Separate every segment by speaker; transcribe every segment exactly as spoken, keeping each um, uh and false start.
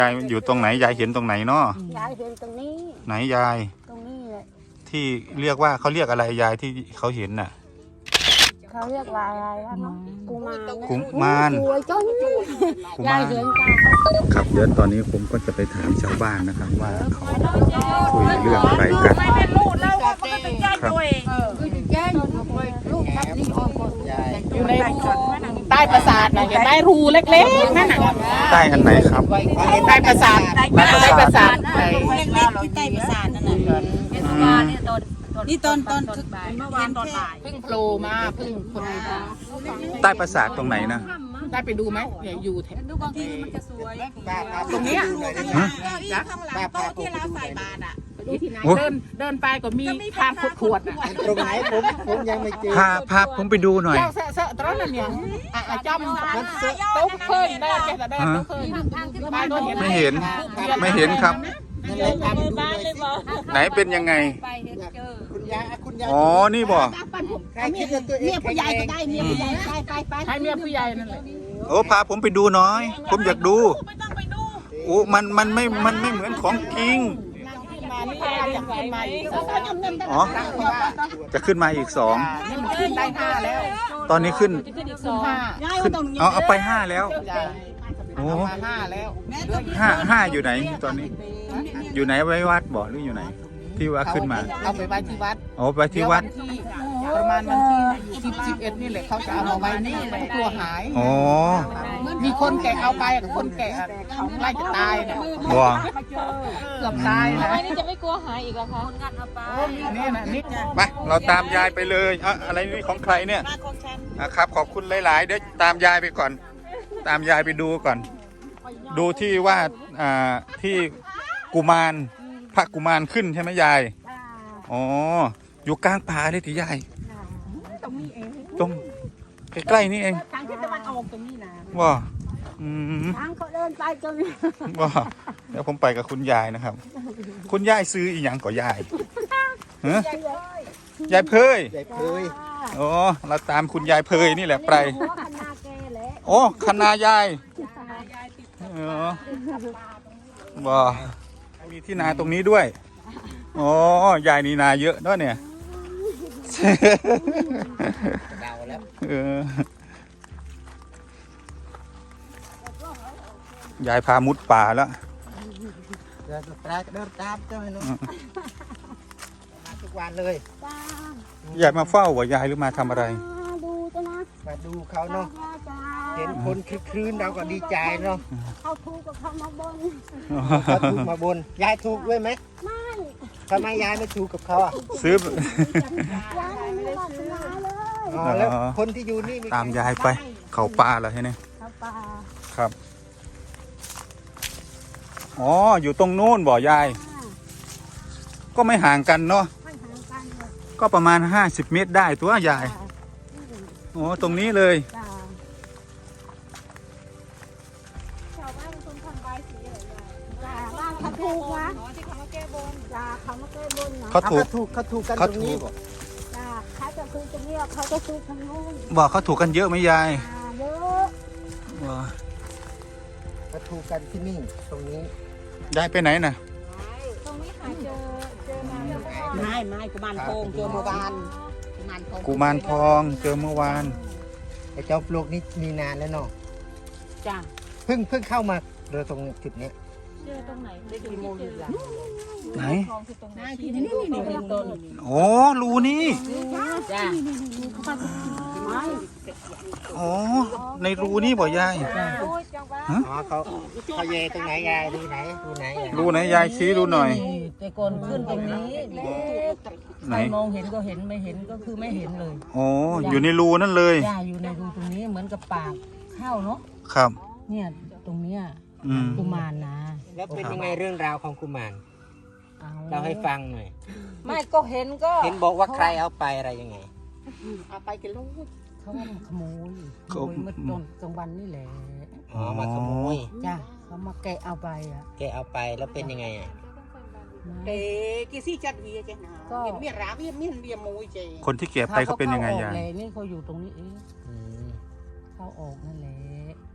Speaker 1: ยายอยู่ตรงไหนยายเห็นตรงไหนเนาะ
Speaker 2: ยายเห็นตรงนี้
Speaker 1: ไหนยาย
Speaker 2: ตรงนี้แหละ
Speaker 1: ที่เรียกว่าเขาเรียกอะไรยายที่เขาเห็นน่ะ
Speaker 2: เขาเรียกว่าอะไรวะเนาะกุมาร
Speaker 1: กุมาร
Speaker 2: สวยจ้นยายเห็นจ้า
Speaker 1: ครับเดี๋ยวตอนนี้ผมก็จะไปถามชาวบ้านนะครับว่าเขาคุยเรื่องอะไรกันครับ
Speaker 3: อยู่ในใต้ปราสาทนะเห็นไหมรูเล็กๆนั่นน่ะ
Speaker 1: ใต้อันไหนครับ
Speaker 3: ใต้ปราสาทใต้ปราสาท
Speaker 4: เล็กๆที่ใต้ปราสาทนั่นน่ะนี่ตอนตอนเมื่อวานตอนบ่าย
Speaker 3: เพิ่งโผล่มาเพิ่งคนมา
Speaker 1: ใต้ปราสาทตรงไหนนะ
Speaker 3: ได้ไปดูไหมอย่าอยู่แถว
Speaker 4: บางทีมันจะสวย
Speaker 3: ตรงนี้
Speaker 4: จ้ะโต๊ะที่เราใส่บาตรอ่ะ
Speaker 3: เดินเดินไปก็มีทางขวด
Speaker 5: ตรงไหนผมผมยังไม่เจอ
Speaker 1: พาพาผมไปดูหน่อย
Speaker 3: เสอะๆตรงนั้นเนี่ยจำมันเสอะโต๊ะเคยได้แค่แต่ได้โต๊ะเคย
Speaker 1: ไม่เห็นไม่เห็นครับไหนเป็นยังไง
Speaker 5: คุณยายคุณยาย
Speaker 1: อ๋อนี่บ่
Speaker 5: ใครคิดว่าตัวเอง
Speaker 4: ผู้ใหญ่ก็ได้เมียผู้ใหญ่ไปไปไป
Speaker 3: ให้เมียผู้ใหญ่นั่นแหละ
Speaker 1: โอ้พาผมไปดูหน่อยผมอยากดูโอ้มันมันไม่มันไม่เหมือนของจริงอ๋อจะขึ้นมาอีกสอง
Speaker 3: ได้ห้าแล้ว
Speaker 1: ตอนนี้ขึ้นขึ้นเอาเอาไปห้าแล้วโอ้
Speaker 3: ห้าแล้ว
Speaker 1: ห้าห้าอยู่ไหนตอนนี้อยู่ไหนไว้วัดบ่หรืออยู่ไหนที่ว่าขึ้นมา
Speaker 3: เอาไปไว้ที่วัด
Speaker 1: อ๋อไปที่วัด
Speaker 3: ประมาณวันที่สิบ สิบเอ็ดนี่แหละเขาจะเอามาไว้นี่กลัวหาย
Speaker 1: อ๋อ
Speaker 3: มีคนแก่เอาไปกับคนแก่เขาไล่จะตายเนี่ย
Speaker 1: ว้า
Speaker 3: เกือบตายนะ
Speaker 4: นี่จะไม่กลัวหายอีกเหรอคะคนงัดเอาไป
Speaker 3: นี่นะนี่
Speaker 1: ไปเราตามยายไปเลยอ่ะอะไรนี่ของใครเนี่ยครับขอบคุณหลายๆเดี๋ยวตามยายไปก่อนตามยายไปดูก่อนดูที่ว่าอ่าที่กุมารพระกุมารขึ้นใช่ไหมยายอ๋ออยู่กลางป่าเลยที่ยาย
Speaker 2: ตรงนี้เอง
Speaker 1: ตรงใกล้ๆนี่เอง
Speaker 2: ทางที่ตะวันออกตรงนี้นะ
Speaker 1: ว้าอืม
Speaker 2: ทางเขาเดินไปตรงนี้
Speaker 1: ว้าเดี๋ยวผมไปกับคุณยายนะครับคุณยายซื้ออีหยังก่อยายฮะยายเพย
Speaker 5: ยายเพย
Speaker 1: โอ้เราตามคุณยายเพยนี่แหละไปโอ้คณายายเออว้ามีที่นาตรงนี้ด้วยอ๋อยายนี่นาเยอะด้วยเนี่ย
Speaker 5: เดาแล้ว
Speaker 1: เออยายพามุดป่าแล้ว
Speaker 5: เดินตามเดินตามเจ้าเนาะมาทุกวันเลย
Speaker 1: ยายมาเฝ้าว่ายายหรือมาทำอะไร
Speaker 2: ดูจ้ะนะ
Speaker 5: มาดูเขาเนาะเห็นคนคลึกคลื้นเราก็ดีใจเนาะ
Speaker 2: เขาถูกกับเขามาบน
Speaker 5: เขาถูกมาบนยายถูกด้วยไหม
Speaker 2: ไม่
Speaker 5: ทำไมยายไม่ถูกกับเขาอ่ะ
Speaker 1: ซื้อย
Speaker 2: ายไม่ได้ซื้อเลย
Speaker 5: อ๋อแล้วคนที่อยู่นี่
Speaker 1: ตามยายไปเขาป่าเหรอใช่ไหม
Speaker 2: เขาป่า
Speaker 1: ครับอ๋ออยู่ตรงนู้นบ่อยายก็ไม่ห่างกันเนาะก็ประมาณห้าสิบเมตรได้ตัวยายโอ้ตรงนี้เลย
Speaker 2: เขาถูกนะที่เขามาแก้บนจ้าเขามาแก้บนนะ
Speaker 1: เขาถูก
Speaker 5: เขาถูกกันตรงนี้บอก
Speaker 2: จ้าเขาจะถูกตรงนี้เขาจะถูกทางโน้น
Speaker 1: บอกเขาถูกกันเยอะไหมยาย
Speaker 2: เยอะ
Speaker 1: ว้า
Speaker 5: เขาถูกกันที่นี่ตรงนี้
Speaker 1: ยายไปไหนน่ะ
Speaker 2: ตรงนี้หาเจอเจอมา
Speaker 4: ไม่ไม่กุมารทองเจอเมื่อวาน
Speaker 1: กุมารทองเจอเมื่อวาน
Speaker 5: ไอ้เจ้าปลวกนี่มีนานแล้วเนาะ
Speaker 4: จ้า
Speaker 5: เพิ่งเพิ่งเข้ามาเรือตรงจุดนี้
Speaker 4: เจอตรงไหนได้กี่โมงอยู่หลัง
Speaker 1: ไหน
Speaker 4: ที่นี่นี่นี่ต้น
Speaker 1: โอ้รูนี่
Speaker 4: จ้า
Speaker 1: อ๋อในรูนี่บ่ยาย
Speaker 5: อ๋อเขาเขาเยตรงไหนยายรูไหนรูไหน
Speaker 1: รูไหนยายชี้ดูหน่อย
Speaker 4: แต่ก่อนขึ้นตรงนี้
Speaker 1: ไหน
Speaker 4: มองเห็นก็เห็นไม่เห็นก็คือไม่เห็นเลย
Speaker 1: อ๋ออยู่ในรูนั่นเลย
Speaker 4: จ้าอยู่ในรูตรงนี้เหมือนกับปากเข้าเนาะ
Speaker 1: ครับ
Speaker 4: เนี่ยตรงเนี้ยกุมารนะ
Speaker 5: แล้วเป็นยังไงเรื่องราวของกุมารเราให้ฟังหน่อย
Speaker 4: ไม่ก็เห็นก็
Speaker 5: เห็นบอกว่าใครเอาไปอะไรยังไง
Speaker 4: เอาไปกันลูกเขาว่าขโมยขโมยเมื่อตอนกลางวันนี่แหละ
Speaker 5: อ๋อมาขโมย
Speaker 4: จ้าเขามาแกะเอาไปอ่ะ
Speaker 5: แกะเอาไปแล้วเป็นยังไงอ่ะ
Speaker 4: เก๋กี่ซี่จัดเวียจ้ะนะก็เมียราเวียเมียเวียมวยเจ
Speaker 1: คนที่เก็บไปเขาเป็นยังไงยาย
Speaker 4: นี่เขาอยู่ตรงนี้เองเขาออกนั่นแหละ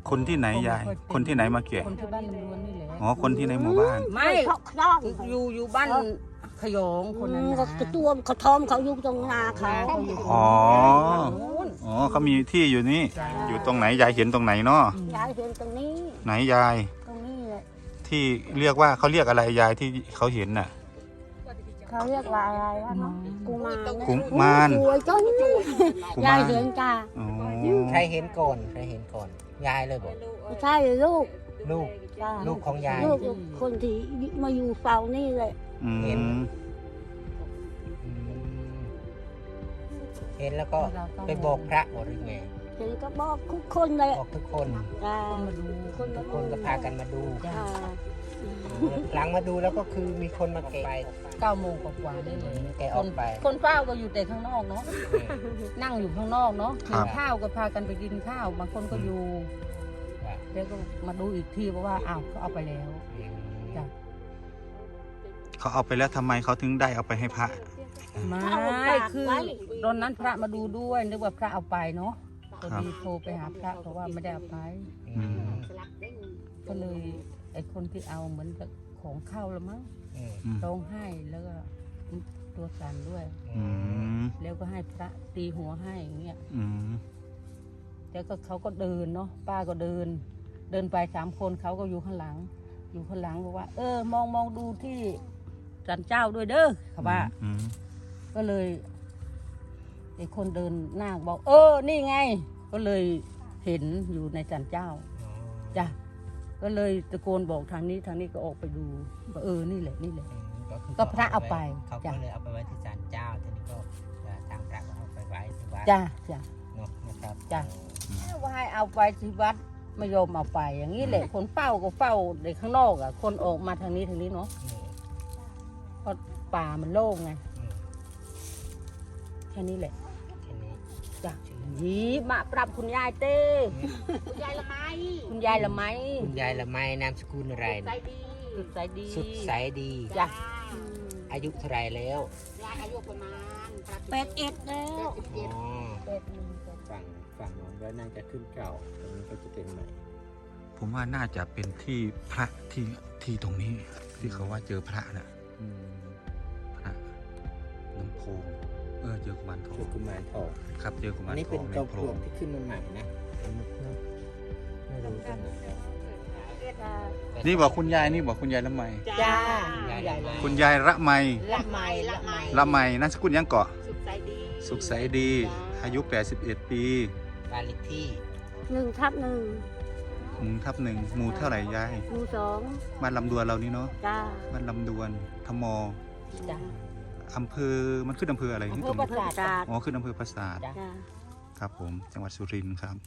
Speaker 1: คนที่ไหนยาย คนที่ไหนมาแกะ
Speaker 3: คนที่บ้านลำดวนนี่แหละ
Speaker 1: อ๋อคนที่ในหมู่บ้าน
Speaker 3: ไม่
Speaker 2: เขาต้อง
Speaker 3: อยู่อยู่บ้านขยงคนนั้น
Speaker 2: ก็
Speaker 3: นะ
Speaker 2: กระตัวเขาทอมเขาอยู่ตรงนาเขา
Speaker 3: เขาอยู่
Speaker 1: อ๋อ
Speaker 3: นู้น
Speaker 1: อ๋อเขามีที่อยู่นี่
Speaker 3: จ้ะ
Speaker 1: อยู่ตรงไหนยายเห็นตรงไหนเนาะ
Speaker 2: ยายเห็นตรงนี้
Speaker 1: ไหนยาย
Speaker 2: ตรงนี้แหละ
Speaker 1: ที่เรียกว่าเขาเรียกอะไรยายที่เขาเห็นน่ะ
Speaker 2: เขาเรียกว่าอะไรวะเนาะกุมาร
Speaker 1: กุมาร
Speaker 2: สวยจัง
Speaker 1: กุ
Speaker 2: ยาม
Speaker 1: าย ร
Speaker 2: เห็นจ้า
Speaker 1: อ๋อ
Speaker 5: ใครเห็นก่อนใครเห็นก่อนยายเลยบอก
Speaker 2: ไม่ใช่ลูก
Speaker 5: ลูก
Speaker 2: จ้า
Speaker 5: ลูกของยาย
Speaker 2: ลูกคนที่มาอยู่เฝ้านี่เลย
Speaker 1: อื
Speaker 5: เห็น
Speaker 1: ม
Speaker 5: อืมเห็นแล้วก็ไปบอกพระบอกหรือไง
Speaker 2: เห็นก็บอกทุกคนเลย
Speaker 5: บอกทุกคน
Speaker 2: จ้า
Speaker 3: มาดู
Speaker 2: คน
Speaker 5: ทุ
Speaker 2: มาก
Speaker 5: คนก็พากันมาดู
Speaker 2: จ้า
Speaker 5: หลังมาดูแล้วก็คือมีคนมาแกะไป
Speaker 3: เก้าโมงกว่าๆนี่เลย
Speaker 5: แกะอ
Speaker 3: ค
Speaker 5: อน กไป
Speaker 3: คนเฝ้าก็อยู่แต่ข้างนอกเนาะนั่งอยู่ข้างนอกเนาะ
Speaker 1: ครั
Speaker 3: กิ
Speaker 1: บ
Speaker 3: นข้าวก็พากันไปกินข้าวบางคนก็อยู่แล้วก็มาดูอีกทีเพราะว่าอ้าวเขาเอาไปแล้วจ้ะ
Speaker 1: เขาเอาไปแล้วทำไมเขาถึงได้เอาไปให้พระ
Speaker 3: ไม่คือตอนนั้นพระมาดูด้วยนึกว่าพระเอาไปเนาะพอดีโทรไปหาพระเพราะว่าไม่ได้เอาไป
Speaker 1: อืม
Speaker 3: ก็เลยไอ้คนที่เอาเหมือนกับของเข้าแล้วมั้ง
Speaker 5: อืม
Speaker 1: อืม
Speaker 3: ร้องไห้แล้วก็ตัวสั่นด้วย
Speaker 1: อืม
Speaker 3: แล้วก็ให้พระตีหัวให้อย่างเงี้ย
Speaker 1: อืม
Speaker 3: แล้วก็เขาก็เดินเนาะป้าก็เดิน เดินไปสามคนเขาก็อยู่ข้างหลัง อยู่ข้างหลังบอกว่า เออ มองมองดูที่ศาลเจ้าด้วยเด้อเขาว่า
Speaker 1: อืม
Speaker 3: ก็เลยไอ้คนเดินหน้าบอก เออ นี่ไง ก็เลยเห็นอยู่ในศาลเจ้าจ้ะก็เลยตะโกนบอกทางนี้ทางนี้ก็ออกไปดูว่าเออนี่แหละนี่แหละ
Speaker 5: คือ
Speaker 3: ก็พระเอาไป
Speaker 5: เขา
Speaker 3: จ้ะ
Speaker 5: ก็เลยเอาไปไว้ที่ศาลเจ้าทีนี้ก็ทางพระก็เอาไปไว้ที่วัด
Speaker 3: จ้ะจ้ะ
Speaker 5: เนาะนะครับ
Speaker 3: จ้ะ ว่าให้เอาไปที่วัดไม่ยอมเอาไป อย่างนี้แหละ คนเฝ้าก็เฝ้าในข้างนอกอ่ะ คนออกมาทางนี้ทางนี้เนาะ
Speaker 5: อืม
Speaker 3: เพราะป่ามันโล่งไง
Speaker 5: อืม
Speaker 3: แค่นี้แหละ
Speaker 5: แค่นี้
Speaker 3: จ้ะยีมาปรับคุณยายเต้คุณยายละไมคุณยายละไม
Speaker 5: คุณยายละไมนามสกุลอะไร
Speaker 3: สุดใสดีสุดใสดี
Speaker 5: สุดใสดี
Speaker 3: จ้ะ
Speaker 5: อายุเท่าไหรแล้ว
Speaker 3: ยายอายุประมาณ
Speaker 2: แปดเอ็ดแล้ว
Speaker 5: อ๋อ
Speaker 3: เป็ดหนึ่ง
Speaker 5: ฝั่งฝั่งโน้นก็น่าจะขึ้นเก่าตรงนี้ก็จะเป็นใหม่
Speaker 1: ผมว่าน่าจะเป็นที่พระที่ที่ตรงนี้ ที่เขาว่าเจอพระน่ะ
Speaker 5: อืม
Speaker 1: พระน้ำโพงเออเจอกุมารทอ
Speaker 5: คือง กุมารทอง
Speaker 1: ครับเจอกุ
Speaker 5: อั
Speaker 1: มาน ร
Speaker 5: นี้
Speaker 1: ท
Speaker 5: เป็
Speaker 1: อน งใน
Speaker 5: เจ้า
Speaker 1: โพ
Speaker 5: ป
Speaker 1: ร
Speaker 5: ลว
Speaker 1: ง
Speaker 5: กที่ขึ้นมาใหม่นะไม่รู้จังเลย
Speaker 1: นี่บอกคุณยายนี่บอกคุณยายละไม
Speaker 3: จ้า
Speaker 5: คุณยายละไม
Speaker 1: คุณยายละไม
Speaker 3: ละไมละไม
Speaker 1: ละไมนามสกุลยังเกาะ
Speaker 3: สุดใสดี
Speaker 1: สุขใสดี อายุ แปดสิบเอ็ด ปี
Speaker 5: บ้านเลขที่
Speaker 2: หนึ่งทับหนึ่ง
Speaker 1: หมู่ทับหนึ่งหมู่เท่าไหร่ยาย
Speaker 2: หมู่สอง
Speaker 1: บ้านลำดวนเรานี่เนาะ
Speaker 2: จ้า
Speaker 1: บ้านลำดวนทม
Speaker 3: จ้า
Speaker 1: อำเภอมันขึ้นอำเภออะไร
Speaker 3: อำ
Speaker 1: นี่
Speaker 3: เภ
Speaker 1: ต
Speaker 3: อ
Speaker 1: รง
Speaker 3: ปรา
Speaker 1: นี้
Speaker 3: สาท
Speaker 2: จ้า
Speaker 1: อ๋อขึ้นอำเภอปราสาท
Speaker 3: จ้ะ
Speaker 2: จ้า
Speaker 1: ครับผมจังหวัดสุรินทร์ครับ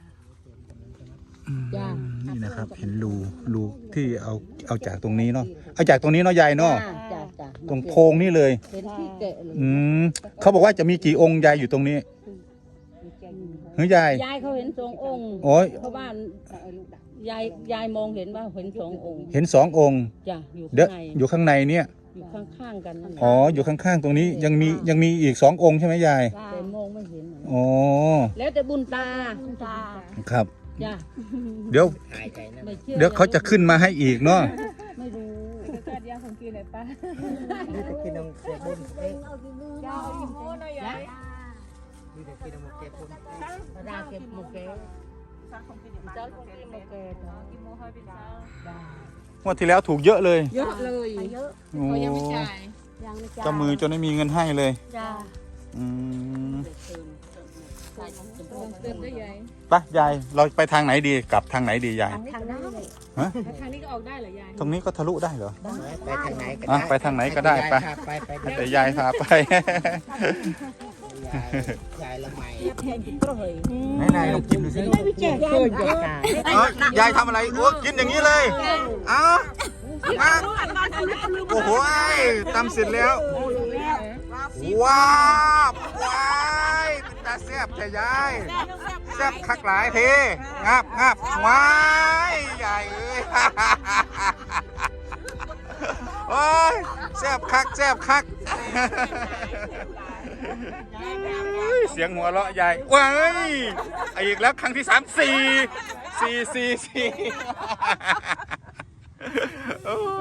Speaker 3: จ้ะ
Speaker 1: นี่นะครับ เห็นรูรูที่เอาเอาจากตรงนี้เนาะเอาจากตรงนี้เนาะยายเนาะ
Speaker 3: จ้าจ้า
Speaker 1: ตรงโพรงนี่เลย
Speaker 3: เห็นที่แกะเลย
Speaker 1: อืมเขาบอกว่าจะมีกี่องค์ยายอยู่ตรงนี้เฮ้ยยาย
Speaker 3: ยายเขาเห็นสององค์
Speaker 1: โอ้ย
Speaker 3: เพราะว่ายายยายมองเห็นว่าเห็นสององค์
Speaker 1: เห็นสององค์
Speaker 3: จ้ะอยู่
Speaker 1: เดี๋ยว
Speaker 3: ข้างใน
Speaker 1: อยู่ข้างในเนี่ย
Speaker 3: อยู่ข้างๆกันนั่นแหละ
Speaker 1: อ๋ออยู่ข้างๆตรงนี้ยังมียังมีอีกสององค์ใช่ไหมยาย
Speaker 3: แต่มองไม่เห็น
Speaker 1: อ๋อ
Speaker 3: แล้วแต่บุญตา
Speaker 2: ตา
Speaker 1: ครับ
Speaker 3: จ้ะ
Speaker 1: เดี๋ยว
Speaker 5: หายใจนะ
Speaker 3: ไม่ชื่อ
Speaker 1: เดี๋ยวเขาจะขึ้นมาให้อีกเนาะ
Speaker 3: ไม่รู้ก็เดียวของกินเลยป้า
Speaker 5: นี่จะกินนมเก็บบุญเอ๊ะ
Speaker 3: ยาวอิ่มโม่หน่อยยาย
Speaker 5: นี่จะกินนมเก็บบุญ
Speaker 3: ราเก็บโมเกะเจ้าของกินโมเกะเนาะกินโมให้ไปเจ้าได้
Speaker 1: งวดที่แล้วถูกเยอะเลย
Speaker 3: เยอะเลย
Speaker 2: เยอะ
Speaker 1: โอ้
Speaker 2: ยังไม่จ่าย
Speaker 1: เจ้ามือจนไม่มีเงินให้เลย
Speaker 2: จ้า
Speaker 1: อืม
Speaker 2: เติมได้ยัง
Speaker 1: ไปยายเราไปทางไหนดีกลับทางไหนดียาย
Speaker 2: ทางนี้เลย
Speaker 1: ฮะ
Speaker 2: ทางนี้ก็ออกได้เหรอยาย
Speaker 1: ตรงนี้ก็ทะลุได้เหรอ
Speaker 5: ไปทางไหนก็
Speaker 1: อ่ะ
Speaker 5: ได้
Speaker 1: ไปทางไหนก็ได้ไป
Speaker 5: ไปไปไป
Speaker 1: แต่ยายพาไป
Speaker 5: ยายยายละไม
Speaker 1: ไหนนายลองกินดูสิ
Speaker 2: ไม่เจ็บ
Speaker 3: เคยจะตาย
Speaker 1: เอ้ยยายทำอะไรโอ้กินอย่างนี้เลยเอ้ามาโอ้โหตำเสร็จแล้วว้าวว้ายเป็นตาแซ่บแท้ยายแซ่บคักหลายเทงับงับว้ายใหญ่เอ้ย โอ้ยแซ่บคักแซ่บคัก เสียงหัวเราะใหญ่ว้ายอีกแล้วครั้งที่สามสี่สี่สี่สี่โอ้